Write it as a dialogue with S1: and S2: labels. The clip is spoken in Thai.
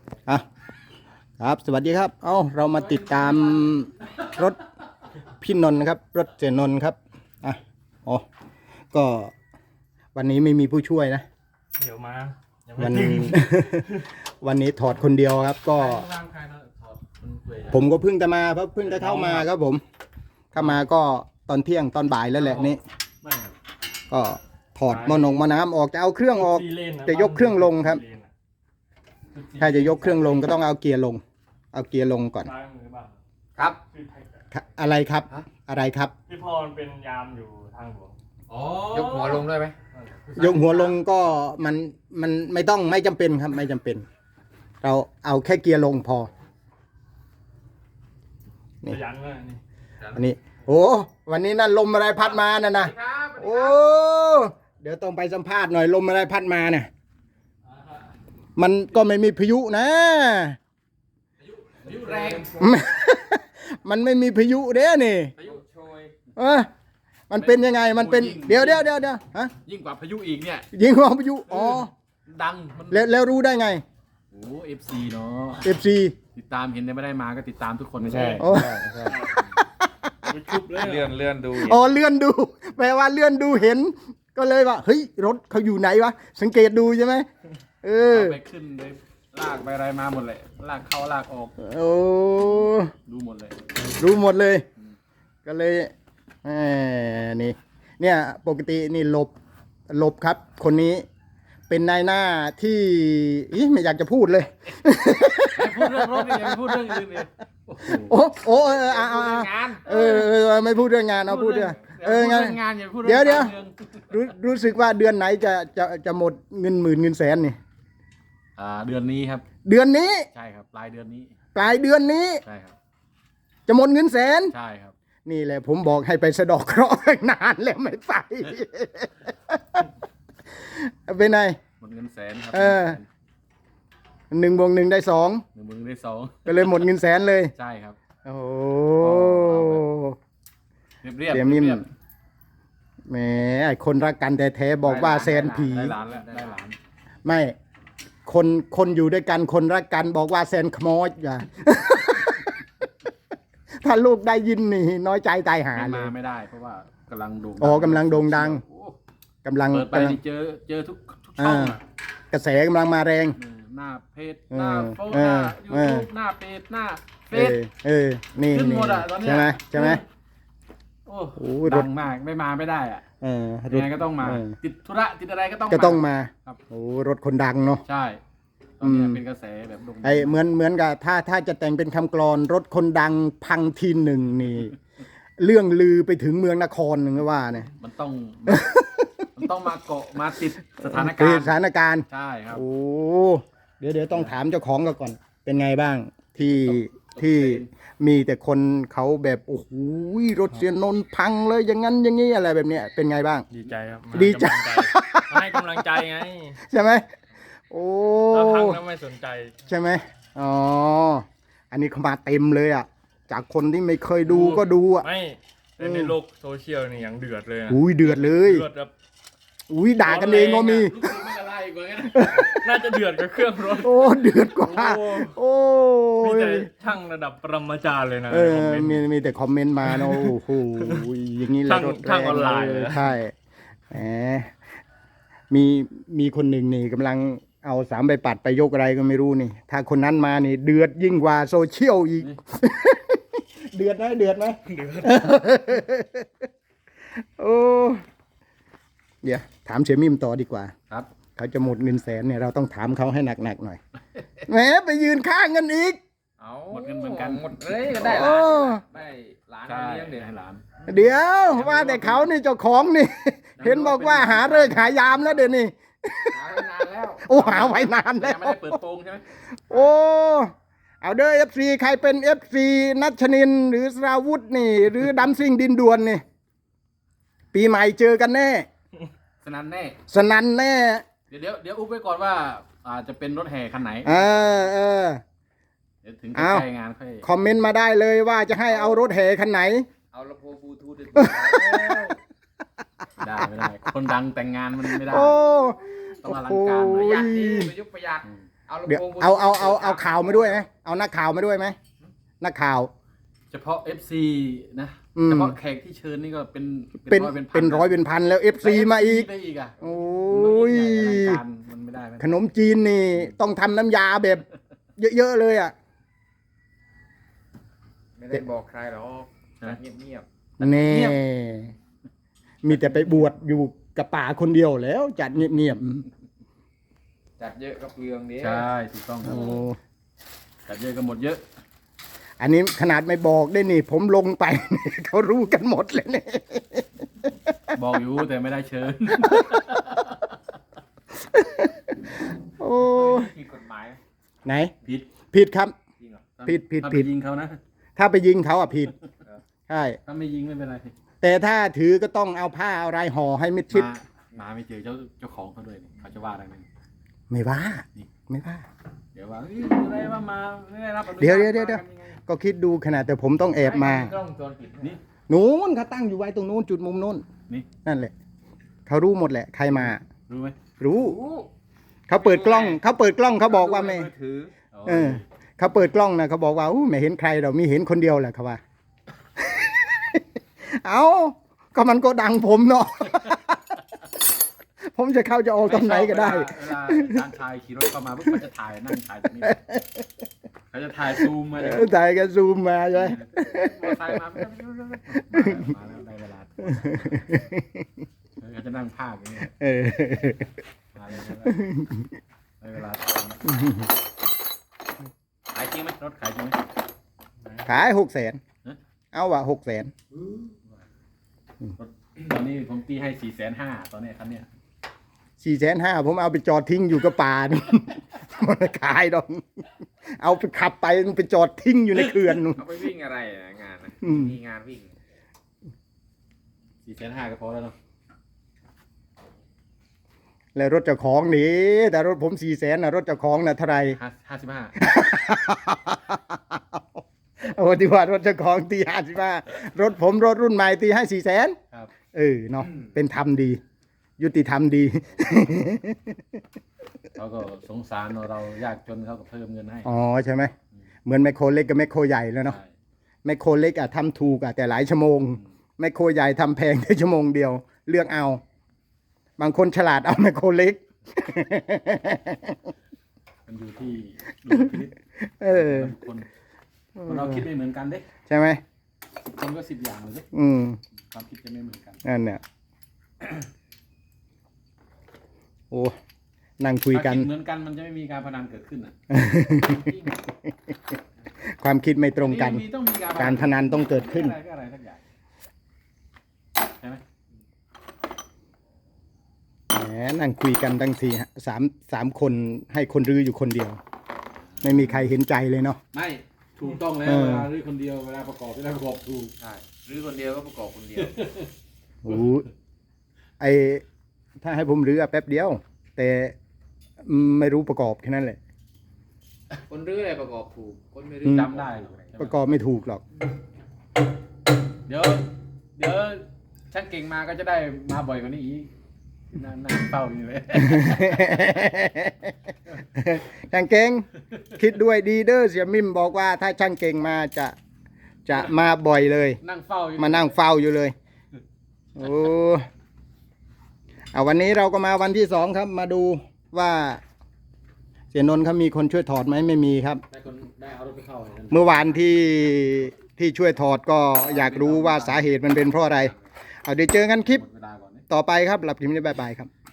S1: อ่ะครับสวัสดีครับเรามาติดตามรถพี่นนท์นะครับรถเสียนนท์ครับอ่ะก็วันนี้ไม่มีผู้ช่วยนะ
S2: เดี๋ยวมา
S1: วัน วันนี้ถอดคนเดียวครับก็ผมก็เพิ่งจะมาเพราะเพิ่งจะเข้ามาครับผมเข้ามาก็ตอนเที่ยงตอนบ่ายแล้วแหละนี่ก็ถอดหม้อน้ำออกจะเอาเครื่องออกจะยกเครื่องลงครับถ้าจะยกเครื่องลงก็ต้องเอาเกียร์ลงก่อน
S3: ครับ
S1: อะไรครับอะไรครับ
S2: พี่พรเป็นยามอยู่ทางหลวง
S3: ยกหัวลงด้วยไหม
S1: ยกหัวลงก็มันไม่จำเป็นครับไม่จำเป็นเราเอาแค่เกียร์ลงพอ
S2: นี่ยันเลยนี่
S1: อันนี้โอ้วันนี้นั่นลมอะไรพัดมาน่ะนะโอ้เดี๋ยวต้องไปสัมภาษณ์หน่อยลมอะไรพัดมาเนี่ยมันก็ไม่มีพายุนะ
S3: พายุแรง
S1: มันไม่มีพายุเด้นี่
S3: พายุโชย
S1: มันเป็นยังไงมันเป็นเดี๋ยวฮะ
S3: ยิ่งกว่าพายุอีกเนี่ย
S1: ยิ่งกว่าพายุ
S3: ดัง
S1: แล้วรู้ได้ไง
S3: โอ้FC เนาะ
S1: FC
S3: ติดตามเห็นแต่ไม่ได้มาก็ติดตามทุกคนไม่ใช่
S2: ชุบเลย
S3: เลื่อนดู
S1: เลื่อนดูแปลว่าเลื่อนดูเห็นก็เลยว่าเฮ้ยรถเขาอยู่ไหนวะสังเกตดูใช่ไหม
S3: ไปขึ้นไปลากไปอะไรมาหมดเลยลากเข้าลากออกรู้หมดเลย
S1: ก็เลยนี่เนี่ยปกตินี่หลบครับคนนี้เป็นนายหน้าที่ไม่อยากจะพูดเลย
S3: พูดเรื่องรถอย่าพูดเรื่องอื่นเลย
S1: ไม่พูดเรื่องงานเอาพูดเรื่อง
S3: งานอย่าพูด
S1: เดี๋ยวรู้สึกว่าเดือนไหนจะหมดเงินหมื่นเงินแสนนี่
S3: เดือนนี้ครับ
S1: เดือนนี้
S3: ใช่ครับปลายเดือนนี้
S1: ใช่ครับจะหมดเงินแสน
S3: ใช่ครับ
S1: นี่แหละผมบอกให้ไปสะดอกเคราะห์นานแล้วไม่ไปเป็นไง
S3: หมดเงินแสนครับ
S1: 1+1ได้ 2
S3: 1+1ได้2
S1: ก็เลยหมดเงินแสนเลย
S3: ใช่ครับ
S1: โอ้
S3: เรียบ
S1: แหมไอ้คนรักกันแต่แท้บอกว่าแสนผี
S3: ได้หลาน
S1: ไม่คนอยู่ด้วยกันคนรักกันบอกว่าแสนขโมยอย่า ถ้าลูกได้ยินนี่น้อยใจตายหาเลย
S3: มาไม่ได้เพราะว่ากำลังโด่ง
S1: กำลังโด่งดังกำลัง
S3: เปิดไปเจอทุกช่อง
S1: กระแสกำลังมาแรง
S3: หน้าเพจหน้าโฟหน้ายูทูบหน้าเพจหน้าเฟซ
S1: นี่
S3: ขึ้นหมดอ่ะตอนนี้
S1: ใช่ไหม
S3: โอ้โหดังมากไม่ได้อ่ะยังไงก็ต้องมาติดธุระติดอะไรก็ต้อง
S1: มา
S3: ครับ
S1: โอ้รถคนดังเนาะ
S3: ใช่ตอนนี้เป็นกระแสแบบโด่งดัง
S1: เหมือนกับถ้าจะแต่งเป็นคำกลอนรถคนดังพังทีหนึ่งนี่เรื่องลือไปถึงเมืองนครหนึ่งก็ว่าเนี่ย
S3: มันต้องมาเกาะมาติดสถาน
S1: การณ์
S3: ใช่ครับ
S1: โอ้เดี๋ยวต้องถามเจ้าของก่อนเป็นไงบ้างที่มีแต่คนเขาแบบโอ้โหรถเสียนนท์พังเลยอย่างนั้นอย่างนี้อะไรแบบเนี้ยเป็นไงบ้าง
S2: ดีใจครับ
S1: ดีใจ
S2: ให้กำลังใจไง
S1: ใช่ไหมโอ้
S2: พังแล้วไม่สนใจ
S1: ใช่ไหมอันนี้เขามาเต็มเลยอ่ะจากคนที่ไม่เคยดูก็ดูอ่ะ
S2: ไม่ในโลกโซเชียลนี่อย่างเดือดเลย
S1: เดือดเลย
S2: แบบ
S1: ด่ากันเองก็มี
S2: น่าจะเดือดกับเครื่องรถ
S1: เดือดกว่า
S2: มีแต่ช่างระดับปรมาจารย์เลยนะ
S1: มีแต่คอมเมนต์มาเนาะโอ้โหอย่างนี้แหละ
S2: ช่างออนไลน์
S1: ใช่แหมมีคนหนึ่งนี่กำลังเอา3 ใบปัดไปยกอะไรก็ไม่รู้นี่ถ้าคนนั้นมานี่เดือดยิ่งกว่าโซเชียลอีกเดือดไหมโอ้เดี๋ยวถามเสี่ยมิมต่อดีกว่า
S3: ครับ
S1: เขาจะหมดเงินแสนเนี่ยเราต้องถามเขาให้หนักๆหน่อยแหมไปยืนข้างกันอีก
S3: หมดเงินเหมือนกัน
S2: หมดเลยก็ได้หลาน
S3: เลี้ยงเดี๋ยวให้หลาน
S1: เดี๋ยวว่าแต่เขานี่เจ้าของนี่เห็นบอกว่าหาเลิกหายามแล้วเดี๋ยวนี้
S3: หาไว้นานแล้ว
S1: หาไว้นานแล้ว
S3: ไม่ได้เปิดโปงใช่ไหม
S1: เอาเด้อ FC ใครเป็น FC นัชนินหรือสราวุธนี่หรือดัมซิ่งดินด่วนนี่ปีใหม่เจอกันแน่
S3: สนั่นแน่เดี๋ยวอุ๊บไว้ก่อนว่าจะเป็นรถแห่คันไหนเดี๋ยวถึงจะใช้งานค่อย
S1: คอมเมนต์มาได้เลยว่าจะให้เอารถแห่คันไหน
S3: เอาลำโพงบลูทูธได้ไม่ได้คนดังแต่งงานมันไม่ได้ต้องอลังการประหยัดดีประยุกต์ประหยัด
S1: เดี๋ยวเอาข่าวมาด้วยไหมเอานักข่าวมาด้วยไหมนักข่าว
S3: เฉพาะ FC นะ
S1: อืม
S3: เฉพาะแขกที่เชิญนี่ก็เป็น
S1: เป็น
S3: ร้อยเป็นพัน
S1: เป็นร้อยเป็นพันแล้ว FC มาอีก
S3: ได้อีกอ่ะ
S1: โอ้ย
S3: มันไม่ได้ไหม
S1: ขนมจีนนี่ต้องทำน้ำยาแบบเยอะๆเลยอ่ะ
S4: ไม่ได้บอกใครหรอกเงียบ
S1: แน่มีแต่ไปบวชอยู่กับป่าคนเดียวแล้ว จัดเงียบ
S4: ๆจัดเยอะก็เปลืองเดียว
S3: ใช่ถูกต้อง
S1: ๆ
S3: ครับ
S1: โอ้
S3: จัดเยอะกันหมดเยอะ
S1: อันนี้ขนาดไม่บอกได้นี่ ผมลงไป เขารู้กันหมดเลยเนี่ย
S3: บอกอยู่แต่ไม่ได้เชิญ
S1: โอ้ย
S4: มีกฎหมาย
S1: ไหน
S3: ผิด
S1: ผิดครับ
S4: จริงเหรอ
S1: ผิด
S3: ถ้าไปยิงเขานะ
S1: ถ้าไปยิงเขาอ่ะผิดใช่
S3: ถ้าไม่ยิงไม่เป็นไร
S1: แต่ถ้าถือก็ต้องเอาผ้าเอาอะไรห่อให้มิดชิด
S3: มาไม่เจอเจ้าของเขาด้วยนี่เขาจะว่าอะไรไหม
S1: ไม่ว่า
S3: นี่
S1: ไม่ว่า
S3: เดี๋ยวว่าเอ้ยอะไรว่ามาไม่ได้รับอนุญาต
S1: เดี๋ยว
S3: มากันยังไง
S1: ก็คิดดูขนาดแต่ผมต้องแอบมา
S4: กล้องวงจรปิด
S3: นี่
S1: นู้นเขาตั้งอยู่ไว้ตรงนู้นจุดมุมนู้น
S3: นี่
S1: นั่นแหละเขารู้หมดแหละ ใครมา
S3: รู้ไหม
S1: รู้เขาเปิดกล้องเขาบอกว่าไม่
S4: ถือ
S1: เออเขาเปิดกล้องนะเขาบอกว่าอู้ไม่เห็นใครเรามีเห็นคนเดียวแหละเขาว่า เอาก็มันก็ดังผมเนาะ ผมจะเข้าจะออกตรงไหนก็ได้
S3: เวลาอาจารย์ชายขี่รถเข้ามาปุ๊บเขาจะถ่ายนั่งถ่ายตรงนี้เขาจะถ่ายซูมมาเลย
S1: ถ่ายกันซูมมาใช่ไหม
S3: มอเตอร์ไซค์มาแล้วได้เวลาเขาจะนั่งภาคอย่างนี้
S1: เออ
S3: มาเลยได้เวลาขายจริงไหมรถขายจริงไหม
S1: ขาย600,000
S3: ฮะ
S1: เอาว่ะ600,000
S3: ตอนนี้ผมตีให้450,000ตอนนี้คันเนี้ย
S1: 450,000ผมเอาไปจอดทิ้งอยู่กับป่า นู่นมันไม่ขายดอกเอาไปขับไปไปจอดทิ้งอยู่ในเขื่อนนู่น
S4: เอาไปวิ่งอะไรอะงานนะ
S1: อืม
S4: มีงานวิ่ง
S3: 450,000ก็พอแล้วเนาะ
S1: แล้วรถเจ้าของนี่แต่รถผม400,000นะรถเจ้าของนะเท่าไหร่
S3: 55
S1: โอ้ที่ว่ารถเจ้าของตี55รถผมรถรุ่นใหม่ตีให้400,000
S3: ครับ
S1: เออเนาะเป็นธรรมดี ยุติธรรมดี
S3: เขาก็สงสารเรายากจนเขาก็เพิ่มเงินให้
S1: อ๋อใช่ไหมเหมือนแมคโครเล็กกับแมคโครใหญ่แล้วเนาะ
S3: ใช่
S1: แมคโครเล็กอะทำถูกอะแต่หลายชั่วโมงแมคโครใหญ่ทำแพงแค่ชั่วโมงเดียว เลือกเอา บางคนฉลาดเอาแมคโครเล็ก
S3: มันอยู่ที่ดุลพินิจ
S1: เออ
S3: คนเราคิดไม่เหมือนกันเด้
S1: ใช่ไหม
S3: คนก็10อย่างเลยเด้
S1: อืม
S3: ความคิดจะไม่เหมือนกัน
S1: นั่นเนี่ยโอ้นั่งคุยกัน
S3: ถ้าคิดเหมือนกันมันจะไม่มีการพนันเกิดขึ้นอ่ะ
S1: ความคิดไม่ตรงกัน
S3: มีต้องมี
S1: การพนันต้องเกิดขึ้น
S3: อะไรก็อะไรสักอย่างใช่ไหม
S1: แหมนั่งคุยกันตั้งสามคนให้คนรื้ออยู่คนเดียว ไม่มีใครเห็นใจเลยเนาะ
S3: ไม่ถูกต้องแล้ว
S1: เออ
S3: เวลารื้อคนเดียวเวลาประกอบถูก
S4: ใช่หรือคนเดียวก็ประกอบคนเดียว
S1: โอ้ไอถ้าให้ผมรื้ออะแป๊บเดียว แต่ไม่รู้ประกอบแค่นั้นแหละ
S4: คนรื้ออะไรประกอบถูก คนไม่รื้
S1: อื
S4: อ
S1: ม
S3: จำได้เหรอใช่ไหม
S1: ประกอบไม่ถูกหรอก
S3: เดี๋ยวช่างเก่งมาก็จะได้มาบ่อยกว่านี้อีกนั่งเฝ้าอยู่เลย
S1: ช่างเก่งคิดด้วยดีเด้อเสียมิมบอกว่าถ้าช่างเก่งมาจะมาบ่อยเลย
S3: นั่งเฝ้าอยู่
S1: มานั่งเฝ้าอยู่เลย โอ้เอาวันนี้เราก็มาวันที่2ครับ มาดูว่า เสียนนท์เขามีคนช่วยถอดไหมไม่มีครับ
S3: ได้เอารถไปเข้าเลยนะ
S1: เมื่อวานที่ช่วยถอดก็อยากรู้ว่าสาเหตุมันเป็นเพราะอะไร เอาเดี๋ยวเจอกันคลิป
S3: หมดเวลาก่อนนะ
S1: ต่อไปครับหลับคลิปนี้บ๊ายบายครับ